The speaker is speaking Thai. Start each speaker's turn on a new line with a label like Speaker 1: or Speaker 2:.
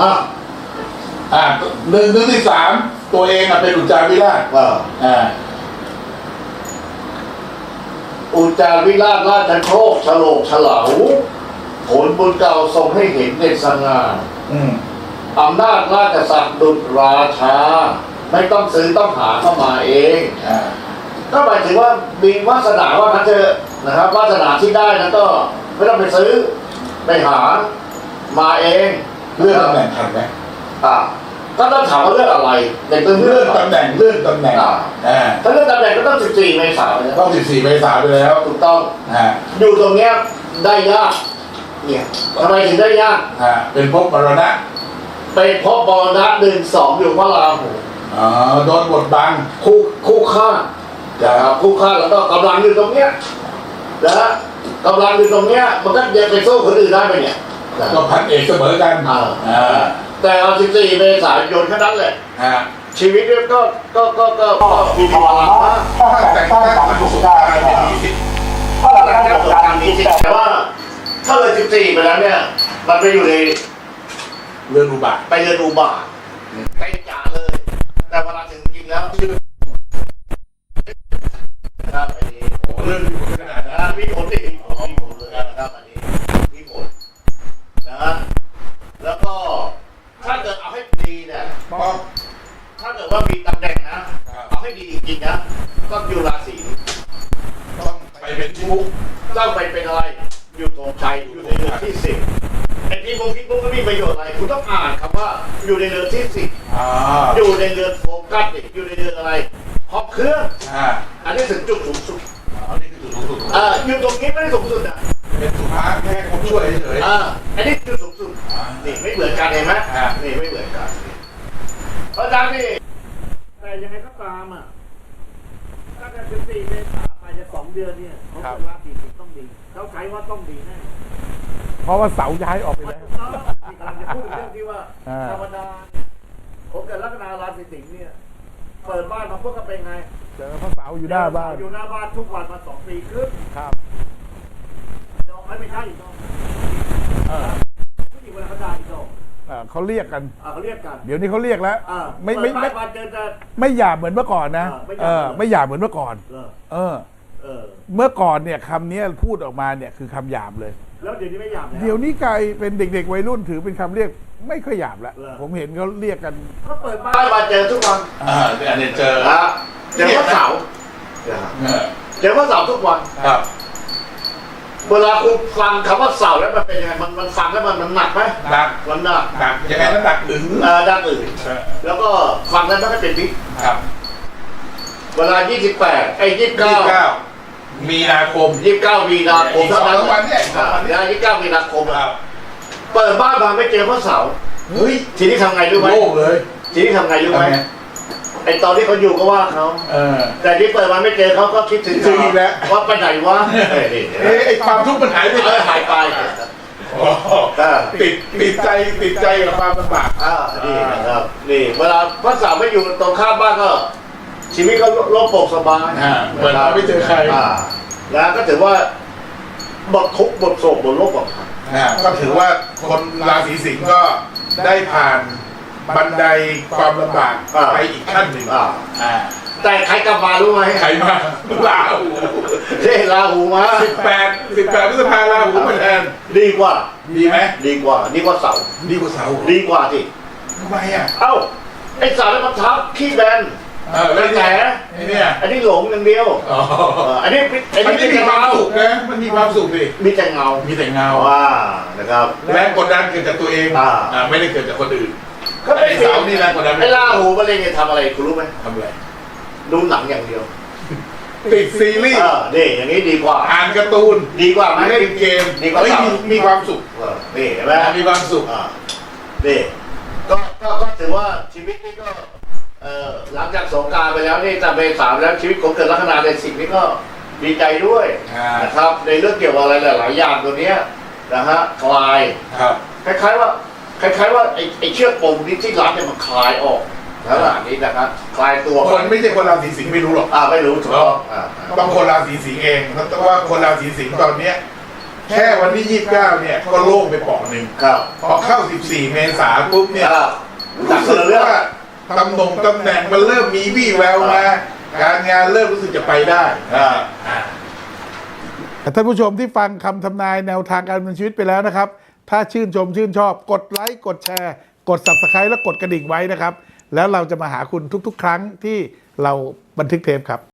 Speaker 1: อ่ะ
Speaker 2: หนึ่งที่สามตัวเองเป็นอุจจาวิราช
Speaker 1: อุจจาวิราชราชโชคฉลกฉลาผลบุญเก่าทรงให้เห็นเด่นสง่าอำนาจราชศักดิ์ดุจราชาไม่ต้องซื้อต้องหาเข้ามาเองก็หมายถึงว่ามีวาสนาว่าเขาเจอนะครับวาสนาที่ได้นั้นก็ไม่ต้องไปซื้อไปหามาเอง
Speaker 2: เลื่อนตำแหน่งทันไหม
Speaker 1: ก็ต้องถามว่าเรื่องอะไรในเรื่อง
Speaker 2: ตำแหน่งเลื่อนตำแหน่ง
Speaker 1: ถ้าเรื่องตำแหน่งก็ต้อง14 เมษายน
Speaker 2: ต้อง14 เมษายนไปแล้ว
Speaker 1: ถูกต้องอยู่ตรงเนี้ยได้ยากเนี่ยทำไมถึงได้ยาก
Speaker 2: เป็นภพมรณะ
Speaker 1: เป็นภพมรณะ1-2อยู่พระราหู
Speaker 2: โดนบทบัง
Speaker 1: คู่ฆ่านะครับคู่ฆ่าแล้วก็กำลังอยู่ตรงเนี้ยนะกำลังอยู่ตรงเนี้ยมันก็ยังไปสู้คนอื่นได้ไหมเนี่ย
Speaker 2: ก็พันเอกเสมอกัน
Speaker 1: แต่เอา14 เมษายนแค่นั้นแหละชีวิตก็มีพลังมาก
Speaker 2: แต่ถ้าสุดท้ายไม่มีสิทธิ์
Speaker 1: แต่ว่าถ้าเลย14 ไปแล้วเนี่ยมันไปอยู่ใน
Speaker 2: เรือนอุบาท
Speaker 1: ไปเรือนอุบาทไปจ่าเลยแต่เวลาถึงจริงแล้วนะครับอันนี้
Speaker 2: เรื่องมีผลขนาดนั้น
Speaker 1: มีผลเลยนะครับอันนี้มีผลนะแล้วก็ถ้าเกิดเอาให้ดีเนี่ยถ้าเกิดว่ามีตำแหน่งนะเอาให้ดีจริงๆนะต้องอยู่ราศี
Speaker 2: ต้องไปเป็นชุก
Speaker 1: ต้องไปเป็นอะไรอยู่ตรงชัยอยู่ในเรือนที่10ไอ้ที่พวกก็มีประโยชน์อะไรคุณต้องอ่านคำว่าอยู่ในเรือนที่10อยู่ในเรือนโฟกัสอยู่ในเรือนอะไรครอบเครื่องอันนี้ถึงจุดสูงสุดอยู่ตรงนี้ไม่ได้สูงสุด
Speaker 2: เป็นสุภาพแค่คนช่วยเฉย
Speaker 1: อันนี้จุดสูงสุดนี่ไม่เหมือนกันเห็นไหมนี่ไม่เหมือนกันเพราะฉะนั้นนี่แต่ยังไงก็ตามถ้าเกิด14 เมษายนไปจะ2 เดือนเนี่ยเขาจะราศีต้องดีเขาใช้ว่าต้องดีแน่
Speaker 3: เพราะว่าเสาย้ายออกไปแล้ว
Speaker 1: ที่กำลังจะพูดเรื่องที่ว่าธรรมดาผมเกิดลัคนาราศีสิงห์เนี่ยเปิดบ้านมาพวกก็เป็นไง
Speaker 3: เจอพระเสาอยู่หน้าบ้าน
Speaker 1: อยู่หน้าบ้านทุกวันมา2 ปีครึ่ง
Speaker 3: ครับ
Speaker 1: ดอกไม่ใช่อีกดอกผู้หญิงเวลาเขาด่าอีกดอก
Speaker 3: เขาเรียกกัน
Speaker 1: เขาเรียกกัน
Speaker 3: เดี๋ยวนี้เขาเรียกแล้วไม่หยาบเหมือนเมื่อก่อนนะไม่หยาบเหมือนเมื่อก่อนเมื่อก่อนเนี่ยคำนี้พูดออกมาเนี่ยคือคำหยาบเลย
Speaker 1: แล้วเดี๋ยวนี้ไม่หยาบ
Speaker 3: เดี๋ยวนี้กลายเป็นเด็กๆวัยรุ่นถือเป็นคำเรียกไม่ค่อยหยาบแล้วผมเห็นเขาเรียกกัน
Speaker 1: เขาเปิดบ้านมาเจอทุกวัน
Speaker 2: อันนี้เจอ
Speaker 1: ว่าเสาเจอว่าเสาทุกวัน
Speaker 2: ครับ
Speaker 1: เวลาคุณฟังคำว่าเสาแล้วมันเป็นยังไงมันฟังแล้วมันหนักไหม
Speaker 2: หนัก
Speaker 1: มันหนัก
Speaker 2: ยังไงนั้นหนักอึ๋ง
Speaker 1: ดังอึ๋งแล้วก็ฟังแล้วไม่เป็นพิษ
Speaker 2: ครับ
Speaker 1: เวลา28ไอ้29
Speaker 2: มีนาคม
Speaker 1: 29 มีนาคม
Speaker 2: เท่านั้นวันเนี่ย
Speaker 1: 29 มีนาคมเปิดบ้านมาไม่เจอพระเสา
Speaker 2: เฮ้ย
Speaker 1: ทีนี้ทำไงรู้ไหม
Speaker 2: โล่งเลย
Speaker 1: ทีนี้ทำไงรู้ไหมไอตอนที่เขาอยู่ก็ว่าเขาแต่ที่เปิดมาไม่เจอเขาก็คิดถึง
Speaker 2: อีกแล้ว
Speaker 1: ว่าไปไหนวะ
Speaker 2: ไอความทุกข์มันหายไปติดใจกับความลำบาก
Speaker 1: นี่นะครับนี่เวลาพระเสาไม่อยู่ตรงข้ามบ้านก็ชีวิตก็โล่งโปร่งสบาย
Speaker 2: เวลาไม่เจอใคร
Speaker 1: แล้วก็ถือว่าบททุกข์บทโศกบทโลกบท
Speaker 2: ก็ถือว่าคนราศีสิงห์ก็ได้ผ่านบันไดความลำบากไปอีกขั้นหนึ่ง
Speaker 1: แต่ใครกลับมารู้ไหม
Speaker 2: ใครมาลาหู
Speaker 1: ลาหูมา
Speaker 2: 18 พฤษภาคมลาหูมาแทน
Speaker 1: ดีกว่า
Speaker 2: ดีไหม
Speaker 1: ดีกว่าเสา
Speaker 2: ดีกว่าเสา
Speaker 1: ดีกว่าที่
Speaker 2: ทำไม
Speaker 1: ไอ้เสาแล้วมันทับขี้แบน
Speaker 2: แล้วแฉ
Speaker 1: เนี่ยอันนี้หลงอย่างเดียวอันนี้
Speaker 2: มีความสุขนะมันมีความสุขดิ
Speaker 1: มีแต่เงานะครับ
Speaker 2: แรงกดดันเกิดจากตัวเองไม่ได้เกิดจากคนอื่น
Speaker 1: ก็ไอ้เสานี่แรงกดดันไอ้ลาหูมาเล่นเนี่ยทำอะไรคุณรู้ไหม
Speaker 2: ทำอะไร
Speaker 1: ดูหนังอย่างเดียว
Speaker 2: ติดซีรีส์
Speaker 1: นี่อย่างนี้ดีกว่า
Speaker 2: อ่านการ์ตูน
Speaker 1: ดีกว่าไหม
Speaker 2: เล่นเกม
Speaker 1: ดีกว่า
Speaker 2: มีความสุข
Speaker 1: นี่เห็นไหม
Speaker 2: มีความสุข
Speaker 1: นี่ก็ถือว่าชีวิตนี้ก็หลังจากสงกรานต์ไปแล้วนี่จะเป็น3แล้วชีวิตของเกิดลัคนาในสิ่งนี้ก็ดีใจด้วยนะครับในเรื่องเกี่ยวกับอะไรหลายอย่างตัวนี้นะฮะคลายคล้ายๆว่าไอ้เชือกปมนี้ที่รัดเนี่ยมันคลายออกแล้วหลังนี้นะครับคลายตัว
Speaker 2: คนไม่ใช่คนราศีสิงห์ไม่รู้หรอก
Speaker 1: ไม่รู้ถูกต้อง
Speaker 2: ต้องคนราศีสิงห์เองเพราะว่าคนราศีสิงห์ตอนนี้แค่วันที่ 29 เนี่ยก็โล่งไปเปาะหนึ่ง
Speaker 1: ครับ
Speaker 2: พอเข้า 14 เมษายนปุ๊บเนี่ย
Speaker 1: หนัก
Speaker 2: รู้
Speaker 1: เล
Speaker 2: สึ
Speaker 1: ย
Speaker 2: ก
Speaker 1: เรื่อง
Speaker 2: ว่าตำแหน่งมันเริ่มมีวี่แววมา การงานเริ่มรู้สึกจะไปได้
Speaker 3: ท่านผู้ชมที่ฟังคำทำนายแนวทางการดำเนินชีวิตไปแล้วนะครับ ถ้าชื่นชมชื่นชอบกดไลค์กดแชร์กด Subscribe และกดกระดิ่งไว้นะครับ แล้วเราจะมาหาคุณทุกๆ ครั้งที่เราบันทึกเทปครับ